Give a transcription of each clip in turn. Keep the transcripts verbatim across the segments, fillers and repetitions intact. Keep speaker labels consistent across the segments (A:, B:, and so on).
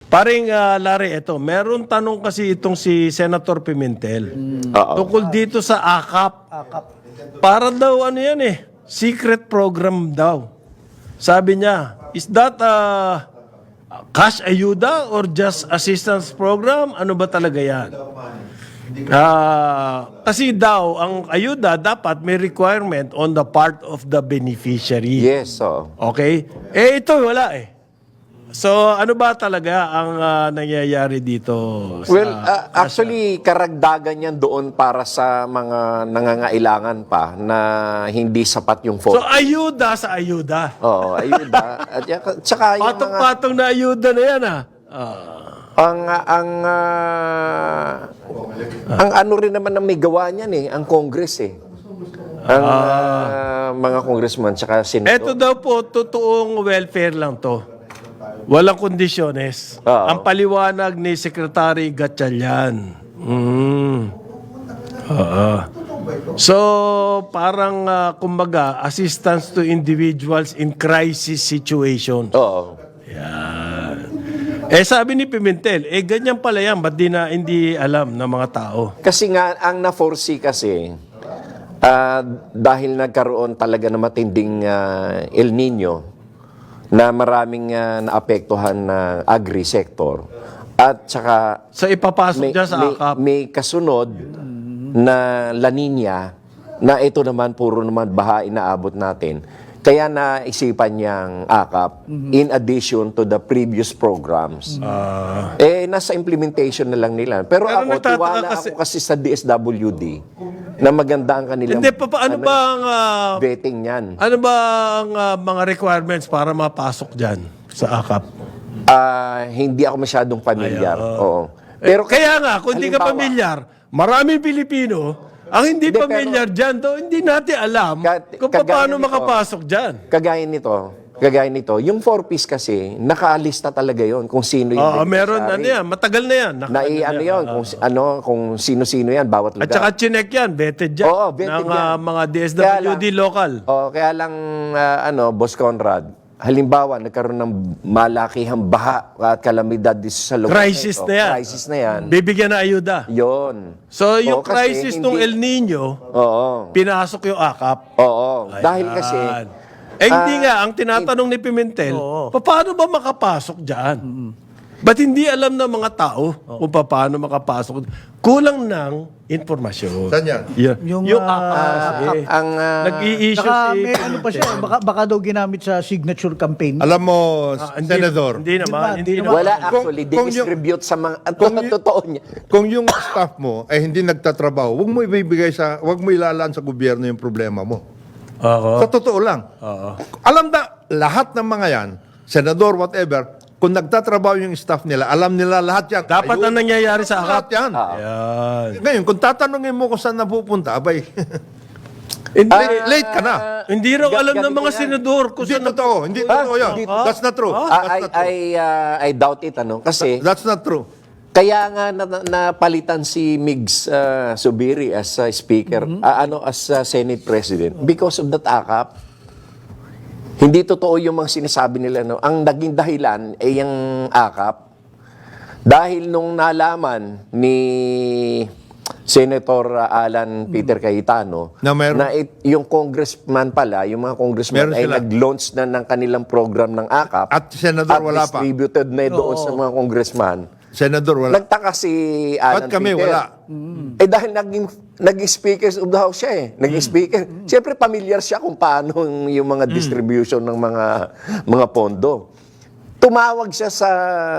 A: Paring uh, Larry, ito, meron tanong kasi itong si Senator Pimentel.
B: Oo.
A: Tungkol dito sa A K A P.
C: Akap.
A: Para daw ano yan eh, secret program daw. Sabi niya, is that a cash ayuda or just assistance program? Ano ba talaga yan? Ah, kasi daw, ang ayuda dapat may requirement on the part of the beneficiary.
B: Yes, oo.
A: Okay? Eh, ito wala eh. So, ano ba talaga ang ah, nangyayari dito? Sa,
B: Well, uh, actually, karagdagan yan doon para sa mga nangangailangan pa na hindi sapat yung
A: so,
B: phone.
A: ayuda sa ayuda.
B: Oo, ayuda. At yan- tsaka yung mga...
A: Patong-patong na ayuda na yan ah. Ah.
B: Ang, ang, ah, ang ano rin naman ang may gawa niyan eh, ang Congress eh. Ang ah, mga congressman tsaka
A: Ito
B: senador.
A: daw po, totoong welfare lang to. Walang kondisyones.
B: Oo.
A: Ang paliwanag ni Secretary Gatchalian. Mm. Oo. So, parang, ah, kumbaga, assistance to individuals in crisis situation.
B: Oo.
A: Yan. Eh, sabi ni Pimentel, eh, ganyan pala yan. Ba't di na hindi alam ng mga tao?
B: Kasi nga, ang na-foresee kasi, ah, dahil nagkaroon talaga ng matinding ah, El Nino, na maraming ah, naapektuhan na agri-sector, at saka
A: So, ipapasok
B: may,
A: dyan sa
B: may,
A: A K A P.
B: may kasunod na La Nina, na ito naman, puro naman baha inaabot natin. Kaya naisipan niyang A K A P in addition to the previous programs.
A: Ah.
B: Eh, nasa implementation na lang nila. Pero,
A: Pero
B: ako,
A: nagtataka
B: tiwala
A: kasi-
B: ako kasi sa D S W D na maganda ang kanilang
A: Hindi, pa, pa- ano ba ang, ah,
B: betting niyan.
A: ano ba ang ah, mga requirements para mapasok dyan sa A K A P?
B: Ah, hindi ako masyadong pamilyar. Oo.
A: Pero
B: Pero
A: kaya nga, kung hindi ka
B: halimbawa,
A: pamilyar, maraming Pilipino ang hindi,
B: Hindi, pero-
A: pamilyar dyan, do, hindi natin alam
B: Ka-
A: kung
B: kagaya
A: paano
B: nito.
A: makapasok dyan.
B: Kagaya nito, kagaya nito, yung four-piece kasi, nakaalista talaga yon kung sino yung
A: Oo, meron, ano
B: beneficiary.
A: yan, matagal na yan.
B: Na
A: Naka-
B: i- ano yun, kung, si- ano, kung sino-sino yan, bawat
A: At
B: lugar.
A: saka chinek yan, vetted yan.
B: Oo, vetted
A: ng
B: yan.
A: ah, mga D S
B: Kaya
A: W D
B: lang-
A: local.
B: Oh, kaya lang, ah, ano, Boss Conrad, halimbawa, nagkaroon ng malakihang baha at kalamidad dito sa lugar.
A: Crisis
B: ito.
A: na yan.
B: Crisis na yan.
A: Bibigyan na ayuda.
B: Yon.
A: So, yung
B: Oo, kasi
A: crisis
B: hindi-
A: ng El Nino,
B: Oo.
A: pinasok yung A K A P.
B: Oo. Dahil kasi,
A: Yan. Eh, hindi
B: Ah,
A: nga, ang tinatanong ni Pimentel, paano ba makapasok dyan? Ba't hindi alam ng mga tao kung paano makapasok? Kulang ng informasyon.
D: Saan yan?
A: Yan.
C: Yung,
A: Yung,
C: ah,
A: A K A P kasi.
B: ang, ah,
A: Nag-i-issue
C: Saka
A: si
C: may ano pa siya, eh, baka, baka daw ginamit sa signature campaign.
D: Alam mo,
A: Ah, hindi-
D: Senador,
A: Hindi naman.
C: Diba?
A: Hindi
C: Hindi
A: naman.
B: wala
D: Kung-
B: actually,
D: kung yung-
B: distribute sa mga, at
D: kung y-
B: totoo niya.
D: kung yung staff mo ay hindi nagtatrabaho, huwag mo ibibigay sa, huwag mo ilalaan sa gobyerno yung problema mo.
A: Oo.
D: Sa totoo lang.
A: Oo.
D: Alam na, lahat ng mga yan, senador, whatever, kung nagtatrabaho yung staff nila, alam nila lahat yan.
A: Dapat
D: Ayun,
A: ang nangyayari sa A K A
D: lahat
A: P.
D: yan.
A: Yan.
D: Ngayon, kung tatanungin mo kung saan napupunta, abay,
A: Hindi,
D: late, late ka na.
A: hindi raw
B: Ga-
A: alam ng
B: ganito
A: mga
B: yan.
A: senador kung
D: Hindi
A: saan na-
D: totoo. Hindi totoo yan.
B: Hindi-
D: That's not true.
B: I,
D: That's
B: I,
D: not true.
B: I, ah, I doubt it, ano? Kasi,
D: That's not true.
B: kaya nga na, na- napalitan si Migs ah, Subiri as ah, speaker, ah, ano, as ah, Senate President because of that A K A P. Hindi totoo yung mga sinasabi nila, no? Ang naging dahilan ay yung A K A P. Dahil nung nalaman ni Senator ah, Alan Peter Cayetano
D: Na meron-
B: it- yung congressman pala, yung mga congressman
D: Meron
B: ay
D: sila.
B: nag-launch na ng kanilang program ng A K A P
D: At senador,
B: at
D: wala pa.
B: distributed na doon sa mga congressman.
D: Senador, wala.
B: Nagtaka si Alan
D: Ba't kami
B: Peter.
D: wala?
B: Eh dahil naging, naging speaker of the house siya eh. Naging speaker. Siyempre familiar siya kung paano yung, yung mga distribution ng mga mga pondo. Tumawag siya sa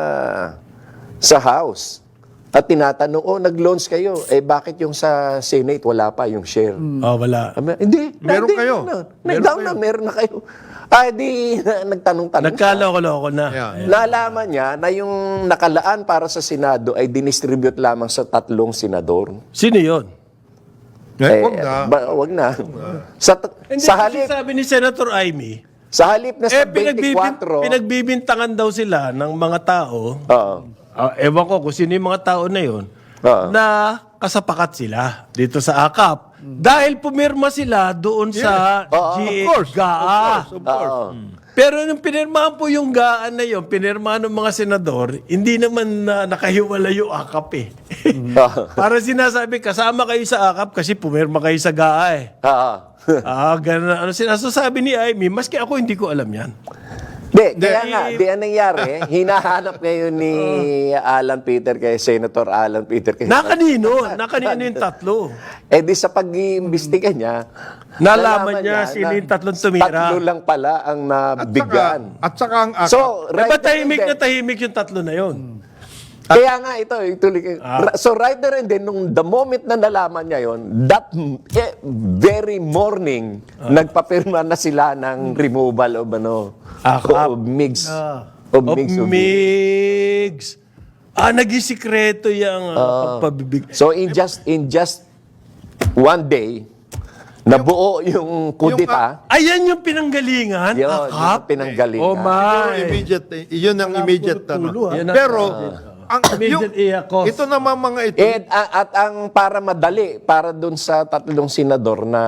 B: sa house. At tinatanong, oh, nag-launch kayo. Eh bakit yung sa Senate wala pa yung share?
A: Oh, wala.
B: Sabi, hindi.
D: Meron
B: hindi,
D: kayo.
B: Na,
D: Meron
B: down
D: kayo.
B: na, meron na kayo. Ay, di, nagtanong-tanong siya.
A: Nagkaloko-loko na.
D: Yeah, yeah.
B: Nalaman niya na yung nakalaan para sa Senado ay dinistribute lamang sa tatlong senador.
A: Sino yun?
D: Eh,
B: Eh,
D: wag na.
B: ba- wag na. Sa, t-
A: Hindi,
B: sa
A: kasi
B: halip,
A: sabi ni Senator Amy,
B: sa halip na
A: eh,
B: sa
A: pinagbibin,
B: twenty-four,
A: pinagbibintangan daw sila ng mga tao.
B: Oo.
A: Ah, ewan ko kung sino yung mga tao na yun,
B: Oo.
A: na kasapakat sila dito sa A K A P. Dahil pumirma sila doon sa
B: Oo,
A: G-
D: of course,
A: G A A.
D: of course, of course.
B: Oo.
A: Pero nung pinirmahan po yung gaan na yun, pinirmahan ng mga senador, hindi naman na nakahiwala yung akap eh. Para sinasabi, kasama kayo sa akap kasi pumirma kayo sa G A A eh.
B: Ah.
A: Ah, ganun. Ano sinasabi ni Amy, maski ako hindi ko alam yan.
B: Di, kaya nga, di ang nangyari, hinahanap ngayon ni Alan Peter kay Senator Alan Peter kay
A: Nakanino? Nakanino yung tatlo?
B: Eh di sa pag-iimbestiga niya,
A: Nalaman niya sino yung tatlong tumira.
B: Tatlo lang pala ang nabigyan.
D: At saka ang akap.
B: So,
A: Eh,
B: right
A: ba't
B: there and
A: tahimik na
B: then-
A: tahimik yung tatlo na yun?
B: Kaya nga ito, ituloy ko.
A: Ah.
B: Ra- So right there and then, nung the moment na nalaman niya yon, that m- eh, very morning,
A: Ah.
B: nagpapirma na sila ng removal of ano,
A: Akap.
B: of mix.
A: Ah.
B: Of
A: Of
B: mix. of-
A: Migs. Ah, naging sikreto yung uh, pagpabibig.
B: So in just in just one day, nabuo yung kudita.
A: Ayan yung pinanggalingan,
B: Yun,
A: akap.
B: yung pinanggalingan.
A: Oh
D: Yun
A: my.
D: immediate, yun ang immediate. Ano.
C: tulo, ah.
A: Yan ang-
D: Pero, ang,
A: Immediate iya cost.
D: ito naman mga ito,
B: And, a- at ang para madali, para dun sa tatlong senador na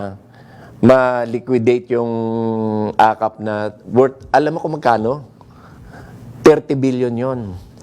B: ma-liquidate yung akap na worth, alam mo kung magkano? thirty billion yon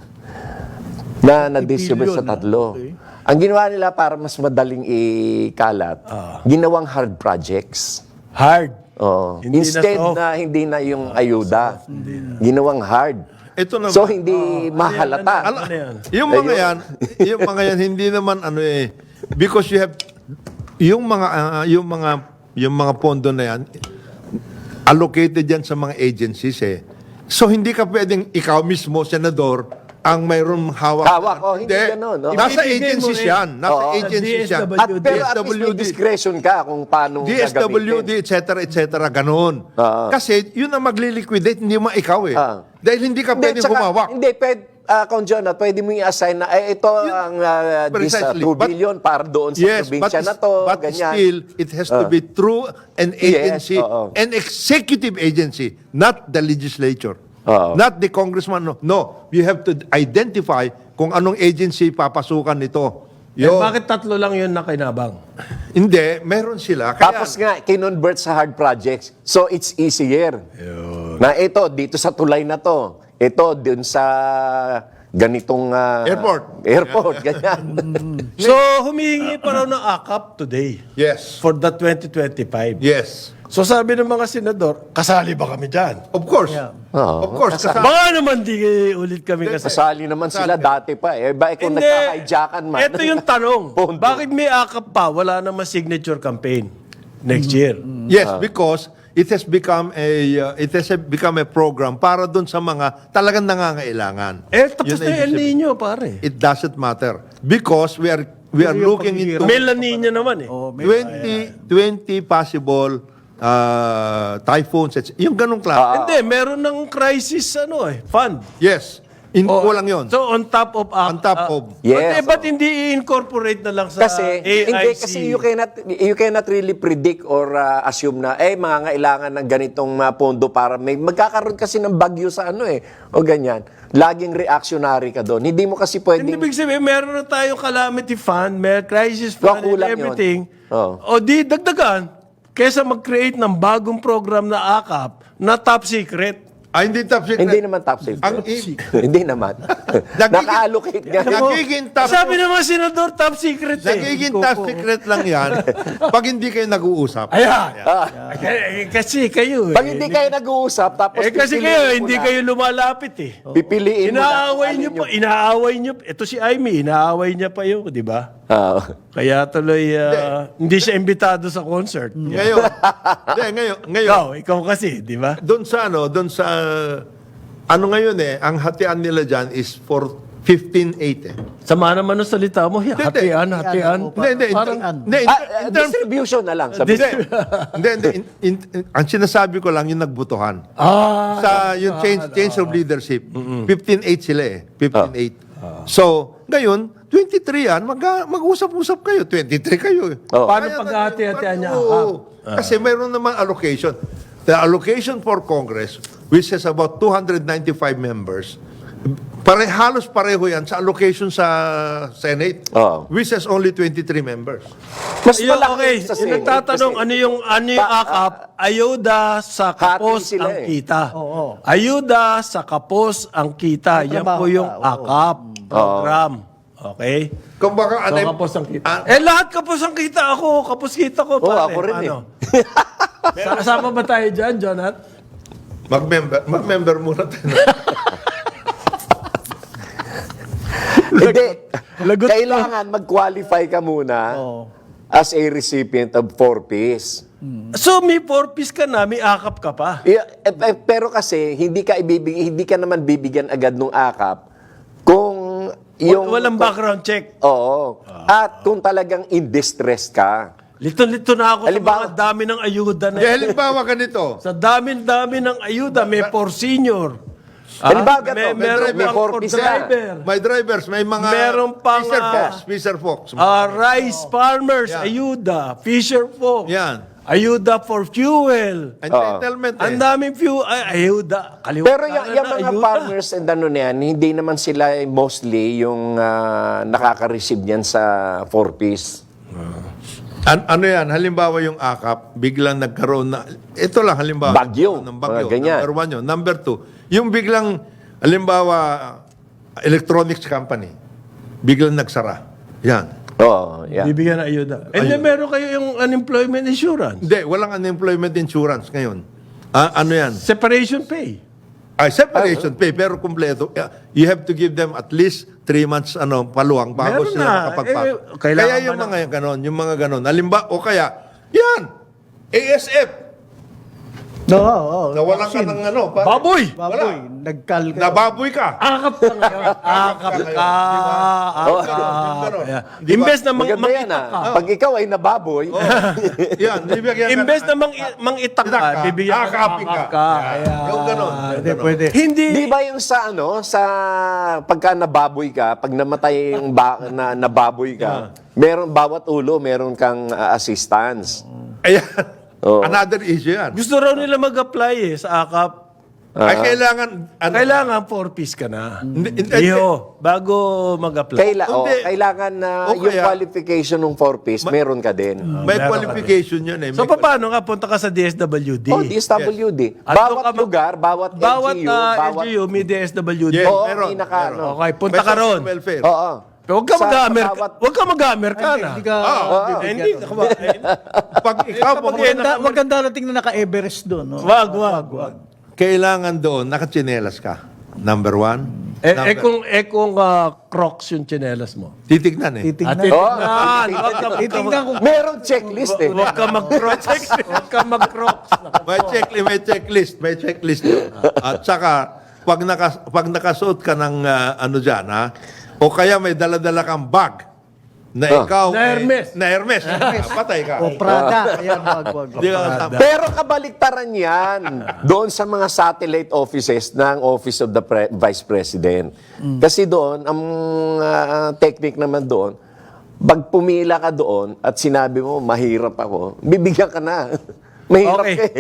B: na na-distribute sa
C: billion,
B: tatlo.
C: okay.
B: Ang ginawa nila para mas madaling ikalat, ginawang hard projects.
A: Hard.
B: Oo.
A: Hindi na
B: Instead
A: soft.
B: na, hindi na yung ayuda, ginawang hard.
D: ito naman.
B: So hindi mahalata.
A: Ano yan?
D: Yung mga yan, yung mga yan hindi naman ano eh because you have yung mga ah, yung mga yung mga pondo na yan allocated yan sa mga agencies eh. So hindi ka pwedeng ikaw mismo senador ang mayroong hawak.
B: Hawak, oh, hindi ganun, oh.
D: Nasa
A: Ibibigay mo
D: agencies
A: rin.
D: yan. Nasa
B: Oo.
D: agencies yan.
A: D S W D.
B: At pero at least may
D: D S W D.
B: discretion ka kung paano
D: D S W D,
B: gagamitin.
D: et cetera, et cetera, ganun.
B: Oo.
D: Kasi yun ang magliliquidate, hindi mo ikaw eh.
B: Ah.
D: Dahil hindi ka pwedeng
B: tsaka-
D: humawak.
B: Hindi, pwede, uh, Kung John, ah, pwede mo i-assign na, eh, ito ang uh, this uh,
D: Precisely.
B: two
D: But-
B: billion para doon sa
D: Yes, but,
B: probinsya na to,
D: but
B: ganyan.
D: still, it has to be through an agency,
B: oo.
D: an executive agency, not the legislature.
B: Oo.
D: Not the congressman. No. no, you have to identify kung anong agency papasukan nito.
A: Eh,
D: Yo,
A: bakit tatlo lang yun na kinabang?
D: hindi, meron sila. Kaya,
B: Tapos nga, kinonvert sa hard projects. So, it's easier. Na ito, dito sa tulay na to. Ito, dun sa ganitong... ah,
D: Airport.
B: Airport, ganyan.
A: So, humihingi pa raw ng akap today
D: yes,
A: for the twenty twenty-five.
D: yes.
A: So, sabi ng mga senador, kasali ba kami dyan?
D: Of course.
B: Oo.
D: Of course. Kasama.
A: Baka naman di ulit kami kasali.
B: Kasali naman sila dati pa. Eh, ba, eh, kung
A: Hindi.
B: nagkakaijakan man.
A: Ito yung tanong.
B: Pondo.
A: Bakit may akap pa? Wala naman signature campaign next year.
D: Yes, because it has become a uh, it has become a program para doon sa mga talagang nangangailangan.
A: Eh, tapos
D: Yun
A: na
D: ang
A: yung El
D: ibig sabihin.
A: Nino, pare.
D: It doesn't matter because we are we are
C: Pero yung
D: looking into
C: paghihirap-
A: May La Nina naman eh.
C: Oh, may-
D: twenty twenty possible uh, typhoons. et cetera. Yung ganong klase.
A: Hindi, meron ng crisis ano eh, fund.
D: yes. In
A: Oh,
D: kulang yon.
A: So, on top of... ah,
D: On top
A: ah,
D: of.
B: Yes.
A: But, eh, ba't hindi i-incorporate na lang sa
B: Kasi,
A: A I C?
B: hindi, kasi you cannot, you cannot really predict or uh, assume na, eh, mga kailangan ng ganitong uh, pondo para may, magkakaroon kasi ng bagyo sa ano eh, o ganyan. Laging reactionary ka doon. Hindi mo kasi
A: Hindi
B: pwedeng,
A: ibig sabihin, meron na tayong calamity fund, may crisis fund, and
B: kulang yun.
A: everything.
B: Oo.
A: O di, dagdagan. Kesa mag-create ng bagong program na akap na top secret.
D: Ah, hindi top secret.
B: hindi naman top secret.
D: Ang i-
B: hindi naman. Naka-allocate nga.
D: nagiging top
A: Sabi naman, Senador, top secret eh.
D: nagiging top secret lang yan pag hindi kayo nag-uusap.
A: Ayan. Eh, Kasi kayo eh.
B: Pag hindi kayo nag-uusap, tapos
A: Eh kasi
B: pipiliin
A: kayo,
B: mo
A: hindi
B: na-
A: kayo lumalapit eh.
B: Pipiliin mo na.
A: Inaaway
B: kung
A: niyo
B: alin
A: pa, inaaway niyo. Ito si Amy, inaaway niya pa yun, di ba?
B: yung- Ah.
A: Kaya tuloy, ah, hindi siya imbitado sa concert.
D: Ngayon, hindi, ngayon, ngayon,
A: Ikaw, ikaw kasi, di ba?
D: doon sa ano, doon sa ano ngayon eh, ang hatian nila dyan is for fifteen eight eh.
A: Sama naman ng salita mo, yeah,
D: Hindi,
A: hatian, hatian.
C: Hindi,
D: Hindi, hindi, in-
A: Parang-
D: hindi, in-
B: Ah,
D: in
B: ah,
D: terms-
B: distribution na lang. Sabi.
A: Dis-
D: hindi, hindi, in- in- in- ang sinasabi ko lang yung nagbutuhan.
A: Ah,
D: Sa yung change change of leadership, fifteen eight sila eh. fifteen eight. So, ngayon, twenty-three yan, mag, mag-usap-usap kayo. twenty-three kayo. eh.
B: Oh.
A: paano
D: Kaya-
A: paghati-hatian niya?
D: Oo. Kasi mayroon naman allocation. The allocation for Congress, which has about two hundred ninety-five members, Pare, halos pareho yan sa allocation sa Senate,
B: Oo.
D: which has only twenty-three members.
B: Mas
A: Ayun,
B: malaki
A: okay,
B: sa
A: yung
B: Senate
A: nagtatanong
B: kasi-
A: ano yung ano yung
B: Pa-
A: akap, ayuda sa kapos
B: sila
A: ang
B: eh.
A: kita.
C: Oo.
A: Ayuda sa kapos ang kita.
C: May
A: Yan
C: trabaho
A: po yung
C: ka, oo.
A: akap program. Okay?
D: Kung baka
A: So,
D: ano,
A: kapos ang kita.
D: ah,
A: eh, lahat kapos ang kita. Ako, kapos kita ko.
B: Oo,
A: pare.
B: ako rin
A: Ano? Sa- Kasama ba tayo dyan, Jonat?
D: mag-member, mag-member muna tayo.
B: Hindi.
A: Lagot
B: Kailangan mag-qualify ka muna
C: Oo.
B: as a recipient of four-piece.
A: So, may four-piece ka na, may akap ka pa.
B: Yeah, eh, eh, pero kasi hindi ka ibibigay, hindi ka naman bibigyan agad ng akap kung yung
A: Walang background check.
B: Oo. At kung talagang in distress ka.
A: Lito-lito na ako
B: Halimbawa-
A: sa mga dami ng ayuda na
D: Dahil halimbawa ganito,
A: Sa dami-dami ng ayuda, may for senior.
B: Halimbawa
A: may,
B: ganito,
A: meron
B: may
A: pang for
B: four-piece na.
A: driver.
D: may drivers, may mga
A: Meron pang,
D: Fisher
A: ah,
D: Fox, Fisher Fox.
A: Ah, rice farmers,
D: Yan.
A: ayuda. Fisher folk.
D: Yan.
A: Ayuda for fuel.
D: Entitlement
A: Ang
D: eh.
A: daming fuel. Ay, ayuda. Kalimutan
B: Pero yung, yung
A: na,
B: mga
A: ayuda.
B: farmers and ano na yan, hindi naman sila mostly yung ah, nakaka-receive yan sa four-piece.
D: An- ano yan, halimbawa yung akap, biglang nagkaroon na, ito lang halimbawa.
B: Bagyo,
D: Ng bagyo.
B: mga ganyan.
D: Number one yun. Number two, yung biglang, halimbawa, electronics company, biglang nagsara. Yan.
B: Oo, yeah.
A: Bibigyan ng ayuda. And then meron kayo yung unemployment insurance.
D: Hindi, walang unemployment insurance ngayon. Ah, ano yan?
A: Separation pay.
D: Ay, separation pay, pero kumpleto. Yeah, you have to give them at least three months ano, paluang bago
A: Meron
D: sila
A: na.
D: makapagpasok.
A: Eh, kailangan
D: kaya yung
A: ba na-
D: mga ganon, yung mga ganon. Halimbawa, o kaya, yan, A S F,
C: No, oo. oo.
D: nawalan ka
C: Vaccine.
D: ng ano, pa,
A: Baboy!
C: Baboy, nagkal ka.
D: nababoy ka.
A: Akap ka ngayon. Akap ka.
D: Yung
A: Akap.
D: ganon.
A: Yeah.
D: Di ba?
A: Imbes na mang,
B: Maganda yan
A: mangitak
B: ah.
A: ka.
B: Pag ikaw ay nababoy,
D: Yan, bibigyan ka.
A: Imbes na mang, mangitak ka,
D: Itak ka,
A: bibigyan ka.
D: akapin ka.
A: akap ka.
D: Yan.
A: Ayan.
D: Yung ganon. yung
C: Hindi,
D: ganon.
C: pwede.
A: Hindi.
B: di ba yung sa ano, sa pagka nababoy ka, pag namatay yung ba, na, nababoy ka, meron bawat ulo, meron kang ah, assistance.
D: Ayan.
B: Oo.
D: Another issue yan.
A: Gusto raw nila mag-apply eh sa akap.
D: Ay, kailangan, ano,
A: Kailangan four-piece ka na.
D: Hindi, hindi,
A: Iho, bago mag-apply.
B: Kaila, oh,
D: Hindi.
B: kailangan na
D: O
B: yung
D: kaya-
B: qualification ng four-piece, meron ka din.
D: may
A: Meron ka
D: qualification yun eh.
A: So,
D: May
A: paano nga? Punta ka sa D S W D.
B: Oh, D S W D.
A: At doon
B: Bawat
A: ka mag-
B: lugar, bawat,
A: Bawat
B: L G U,
A: uh,
B: bawat...
A: L G U may D S W D.
D: Yes,
B: Oo,
D: meron,
B: pinaka,
D: meron.
B: ano.
A: Okay, punta
D: May
A: ka ron.
D: social welfare.
B: Oo.
A: Pero huwag ka
B: Sa
A: mag-amer
B: bawat-
A: Huwag ka mag-amer ka na.
C: Hindi ka,
D: Oo.
A: Eh, Hindi. ako ba- eh,
D: Pag ikaw,
A: Kapag
D: pumunta-
A: yan-
C: maganda, maganda nating na naka-Everest doon. No?
A: Wag, wag, wag.
D: kailangan doon, nakatsinelas ka. Number one.
A: Eh,
D: Number,
A: eh kung, eh kung ah, Crocs yung tsinelas mo.
D: titignan eh.
A: At
C: Titignan.
A: titignan. Huwag ka
C: Titignan kung
B: Meron checklist eh.
A: Huwag ka mag-Crocs. Huwag ka mag-Crocs.
D: May checklist, may checklist, may checklist. yun. At saka, pag, naka, pag nakasuot ka ng ah, ano dyan, ha? O kaya may daladala kang bag na
B: Ah.
D: ikaw...
A: Na
D: eh,
A: Hermes.
D: na Hermes. Patay ka.
C: o Prada. Ayan, wag, wag.
D: Hindi ka kasama.
B: Pero kabaliktaran yan doon sa mga satellite offices ng Office of the Pre- Vice President. Kasi doon, ang ah, technique naman doon, pag pumila ka doon at sinabi mo, mahirap ako, bibigyan ka na. Mahirap
A: Okay.
B: ka eh.